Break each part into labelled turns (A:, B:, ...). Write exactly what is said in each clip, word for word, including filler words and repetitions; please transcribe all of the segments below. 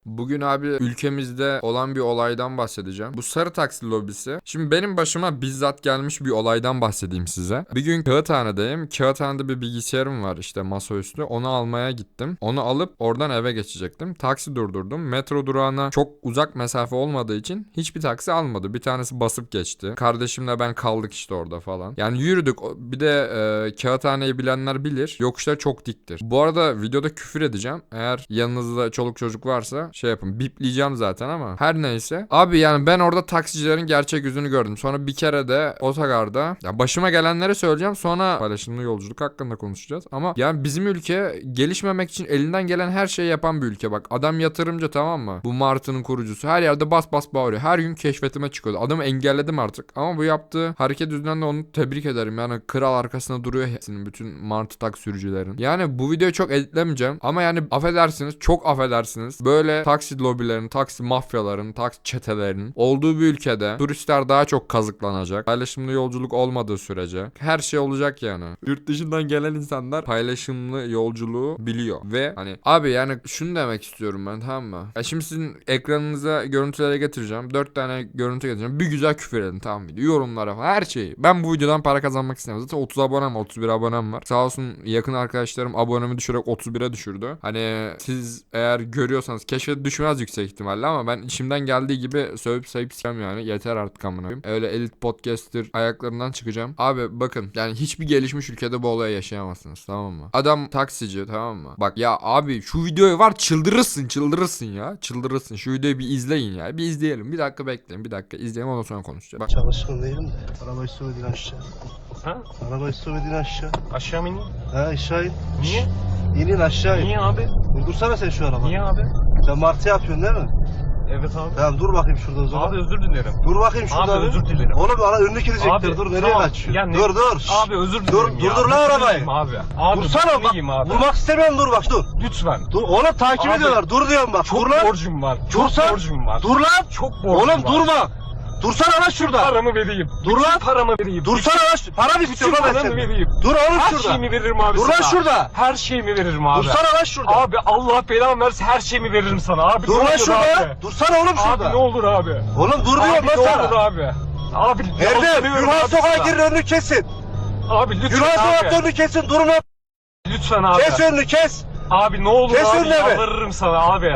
A: Bugün abi ülkemizde olan bir olaydan bahsedeceğim. Bu sarı taksi lobisi. Şimdi benim başıma bizzat gelmiş bir olaydan bahsedeyim size. Bir gün Kağıthane'deyim. Kağıthane'de bir bilgisayarım var işte masaüstü. Onu almaya gittim. Onu alıp oradan eve geçecektim. Taksi durdurdum. Metro durağına çok uzak mesafe olmadığı için hiçbir taksi almadı. Bir tanesi basıp geçti. Kardeşimle ben kaldık işte orada falan. Yani yürüdük. Bir de e, Kağıthane'yi bilenler bilir. Yokuşlar çok diktir. Bu arada videoda küfür edeceğim. Eğer yanınızda çoluk çocuk varsa şey yapın. Bipleyeceğim zaten ama her neyse. Abi yani ben orada taksicilerin gerçek yüzünü gördüm. Sonra bir kere de otogarda ya başıma gelenleri söyleyeceğim. Sonra paylaşımlı yolculuk hakkında konuşacağız. Ama yani bizim ülke gelişmemek için elinden gelen her şeyi yapan bir ülke. Bak adam yatırımcı, tamam mı? Bu Martı'nın kurucusu. Her yerde bas bas bağırıyor. Her gün keşfetime çıkıyordu. Adamı engelledim artık. Ama bu yaptığı hareket yüzünden de onu tebrik ederim. Yani kral arkasında duruyor hepsinin, bütün Martı tak sürücülerin. Yani bu videoyu çok editlemeyeceğim. Ama yani affedersiniz, çok affedersiniz. Böyle taksi lobilerin, taksi mafyaların, taksi çetelerinin olduğu bir ülkede turistler daha çok kazıklanacak. Paylaşımlı yolculuk olmadığı sürece her şey olacak yani. Yurt dışından gelen insanlar paylaşımlı yolculuğu biliyor. Ve hani abi yani şunu demek istiyorum ben, tamam mı? Ya şimdi sizin ekranınıza görüntülere getireceğim. Dört tane görüntü getireceğim. Bir güzel küfür edin, tamam mı? Yorumlara falan, her şeyi. Ben bu videodan para kazanmak istemiyorum. Zaten otuz abonem var, otuz bir abonem var. Sağ olsun yakın arkadaşlarım abonemi düşürerek otuz bire düşürdü. Hani siz eğer görüyorsanız keşfete düşmez yüksek ihtimalle ama ben içimden geldiği gibi sövüp sayıp sikem yani. Yeter artık amına koyayım. Öyle elit podcaster ayaklarından çıkacağım. Abi bakın yani hiçbir gelişmiş ülkede bu olayı yaşayamazsınız, tamam mı? Adam taksici, tamam mı? Bak ya abi şu videoyu var, çıldırırsın çıldırırsın ya. Çıldırırsın. Şu videoyu bir izleyin ya. Bir izleyelim. Bir dakika bekleyin. Bir dakika izleyelim, ondan sonra konuşacağız. Bak.
B: Çalışkın değilim de. Arabayı sürmedin aşağı.
C: Ha?
B: Arabayı sürmedin aşağı.
C: Aşağı mı ineyim?
B: Ha aşağı in.
C: Niye?
B: İnin aşağı in.
C: Niye abi?
B: Durdursana sen şu arabayı.
C: Niye abi?
B: Sen martı yapıyorsun değil mi?
C: Evet abi.
B: Tamam dur bakayım şurada o zaman.
C: Abi özür dilerim.
B: Dur bakayım şurada.
C: Abi
B: bir.
C: özür dilerim.
B: Oğlum ara önünü girecektir.
C: Abi,
B: Dur nereye
C: tamam.
B: kaçıyorsun?
C: Ya ne-
B: Dur dur. Şşş.
C: Abi özür dilerim
B: Dur,
C: ya.
B: durdur lan
C: Özür
B: arabayı.
C: dilerim Abi. Abi
B: Dursana bak.
C: iyiyim abi.
B: Vurmak istemiyorum, dur bak dur.
C: Lütfen.
B: Dur oğlum takip
C: Abi,
B: ediyorlar. Dur diyorum bak.
C: Çok
B: dur lan.
C: borcum var. Çok
B: Dursan.
C: borcum var.
B: Dur lan.
C: Çok borcum
B: Oğlum
C: var.
B: durma. Dursana lan şurada.
C: Paramı vereyim.
B: Dur
C: Bütün
B: lan.
C: paramı vereyim.
B: Dursana lan. şu- Para
C: Bütün
B: bitiyor lan ben
C: paramı
B: senin.
C: vereyim.
B: Dur oğlum
C: Her
B: şurada.
C: şeyimi veririm abi
B: Dur lan
C: sana.
B: şurada.
C: Her şeyimi veririm abi.
B: Dursana lan şurada.
C: Abi Allah belamı versin, her şeyimi veririm sana abi.
B: Dur
C: ne
B: lan
C: olur
B: şurada.
C: Abi.
B: Dursana oğlum şurada.
C: Abi ne olur abi.
B: Oğlum dur
C: Abi
B: diyorum
C: ne
B: lan
C: olur
B: sana.
C: abi. Abi
B: Erdem,
C: yalvarıyorum
B: Gürhan
C: abi
B: sokağa
C: sana.
B: girin, önünü kesin.
C: Abi lütfen
B: Gürhan sokakta
C: abi.
B: önünü kesin, durma.
C: Lütfen abi.
B: Kes önünü kes.
C: Abi ne olur
B: Kes
C: abi,
B: önüne be.
C: yalvarırım sana abi.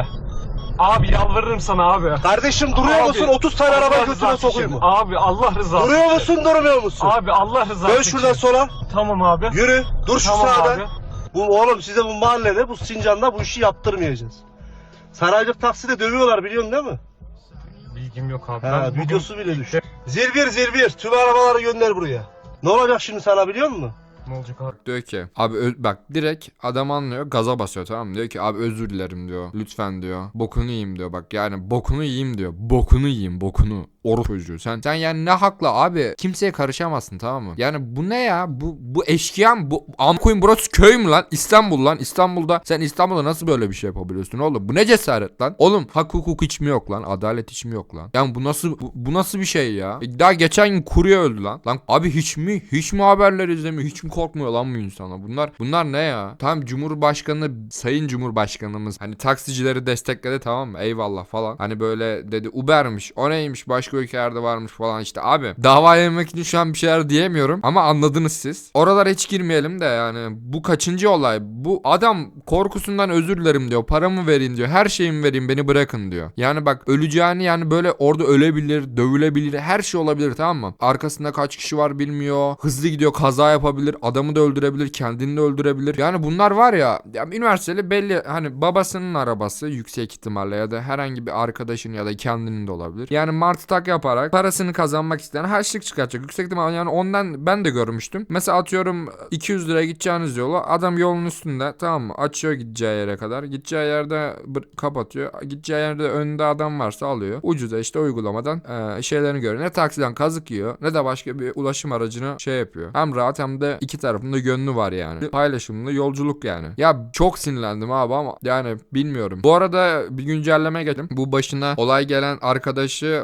C: Abi yalvarırım sana abi.
B: Kardeşim duruyor
C: Abi,
B: musun? otuz tane
C: Allah
B: araba götüne
C: rızası
B: sokayım
C: için.
B: mı?
C: Abi Allah rızası
B: Duruyor
C: için.
B: musun, durmuyor musun?
C: Abi Allah rızası
B: Dön
C: için.
B: şuradan sola.
C: Tamam abi.
B: Yürü. Dur şu
C: Tamam
B: sağda.
C: abi.
B: Bu oğlum size bu mahallede, bu Sincan'da bu işi yaptırmayacağız. Saraycık takside dövüyorlar, biliyorsun değil mi?
C: Bilgim yok abi.
B: Ha,
C: Ben bugün-
B: videosu bile düştü. Zirbir zirbir tüm arabaları gönder buraya. Ne olacak şimdi sana biliyor musun?
C: Ne olacak abi?
A: Diyor ki abi ö- bak direkt adam anlıyor, gaza basıyor, tamam mı? Diyor ki abi özür dilerim diyor. Lütfen diyor. Bokunu yiyeyim diyor. Bak yani bokunu yiyeyim diyor. Bokunu yiyeyim, bokunu. Oru çocuğu. Sen sen yani ne hakla abi? Kimseye karışamazsın, tamam mı? Yani bu ne ya? Bu bu eşkıya mı? Bu am koyun, burası köy mü lan? İstanbul lan. İstanbul'da sen İstanbul'da nasıl böyle bir şey yapabiliyorsun oğlum? Bu ne cesaret lan? Oğlum hak hukuk hiç mi yok lan? Adalet hiç mi yok lan? Yani bu nasıl bu, bu nasıl bir şey ya? Daha geçen gün kurye öldü lan. Lan abi hiç mi? Hiç mi haberler izlemiyor? Hiç mi korkmuyor lan bu insanlar? Bunlar bunlar ne ya? Tam Cumhurbaşkanı, Sayın Cumhurbaşkanımız hani taksicileri destekledi, tamam mı? Eyvallah falan. Hani böyle dedi Uber'miş. O neymiş? Başka ülkelerde varmış falan işte abi. Dava yemek için şu an bir şeyler diyemiyorum ama anladınız siz. Oralara hiç girmeyelim de yani bu kaçıncı olay? Bu adam korkusundan özür dilerim diyor. Paramı verin diyor. Her şeyimi vereyim, beni bırakın diyor. Yani bak öleceğini, yani böyle orada ölebilir, dövülebilir, her şey olabilir, tamam mı? Arkasında kaç kişi var bilmiyor. Hızlı gidiyor, kaza yapabilir, adamı da öldürebilir, kendini de öldürebilir. Yani bunlar var ya, ya üniversiteli belli hani babasının arabası yüksek ihtimalle ya da herhangi bir arkadaşın ya da kendinin de olabilir. Yani martı tak yaparak parasını kazanmak isteyen harçlık çıkartacak. Yüksek ihtimalle yani ondan ben de görmüştüm. Mesela atıyorum iki yüz liraya gideceğiniz yolu adam yolun üstünde, tamam mı? Açıyor gideceği yere kadar. Gideceği yerde kapatıyor. Gideceği yerde önünde adam varsa alıyor. Ucuza işte uygulamadan e, şeylerini görüyor. Ne taksiden kazık yiyor ne de başka bir ulaşım aracını şey yapıyor. Hem rahat hem de iki tarafında gönlü var yani. Paylaşımlı yolculuk yani. Ya çok sinirlendim abi ama yani bilmiyorum. Bu arada bir güncelleme geçtim. Bu başına olay gelen arkadaşı Martı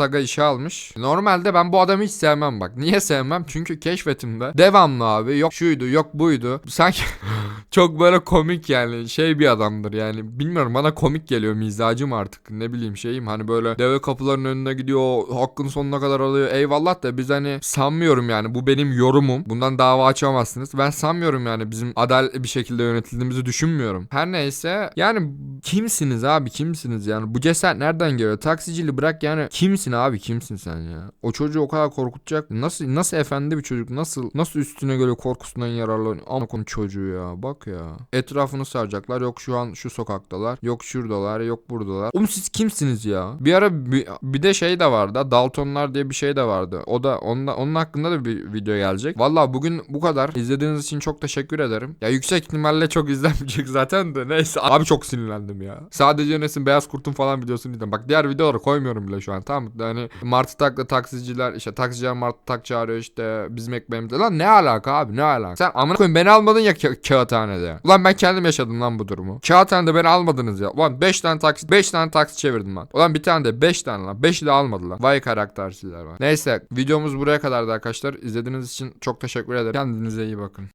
A: Aga işe almış. Normalde ben bu adamı hiç sevmem bak. Niye sevmem? Çünkü keşfetimde devamlı abi yok şuydu yok buydu. Sanki çok böyle komik yani şey bir adamdır yani. Bilmiyorum bana komik geliyor mizacım artık. Ne bileyim şeyim hani böyle deve kapıların önüne gidiyor. Hakkın sonuna kadar alıyor. Eyvallah da biz hani sanmıyorum yani. Bu benim yorumum. Bundan dava açamazsınız. Ben sanmıyorum yani bizim adaletli bir şekilde yönetildiğimizi düşünmüyorum. Her neyse yani kimsiniz abi kimsiniz yani? Bu cesaret nereden geliyor? Taksiciliği bırak yani. Kimsin abi kimsin sen ya? O çocuğu o kadar korkutacak. Nasıl nasıl efendi bir çocuk? Nasıl nasıl üstüne göre korkusundan yararlanıyor? Ama konu çocuğu ya. Bak ya. Etrafını saracaklar. Yok şu an şu sokaktalar. Yok şuradalar. Yok buradalar. Oğlum siz kimsiniz ya? Bir ara bir, bir de şey de vardı. Daltonlar diye bir şey de vardı. O da onda, onun hakkında da bir video gelecek. Vallahi bugün bu kadar. İzlediğiniz için çok teşekkür ederim. Ya yüksek ihtimalle çok izlenmeyecek zaten de. Neyse. Abi çok sinirlendim ya. Sadece Enes'in Beyaz Kurt'un falan videosunu izledim. Bak diğer videoları koymuyorum bile şu an. Tamam mı? Yani Martı Tak'la taksiciler işte taksiciler Martı Tak çağırıyor işte bizim ekmeğimizde. Lan ne alaka abi ne alaka? Sen amına koyayım beni almadın ya ka- kağıthanede. Ulan ben kendim yaşadım lan bu durumu. Kağıthanede beni almadınız ya. Ulan beş tane taksi beş tane taksi çevirdim lan. Ulan bir tane de beş tane lan. beşi de almadılar. Vay karaktersizler var. Neyse videomuz buraya kadardı arkadaşlar. İzlediğiniz için çok teşekkür ederim. Kendinize iyi bakın.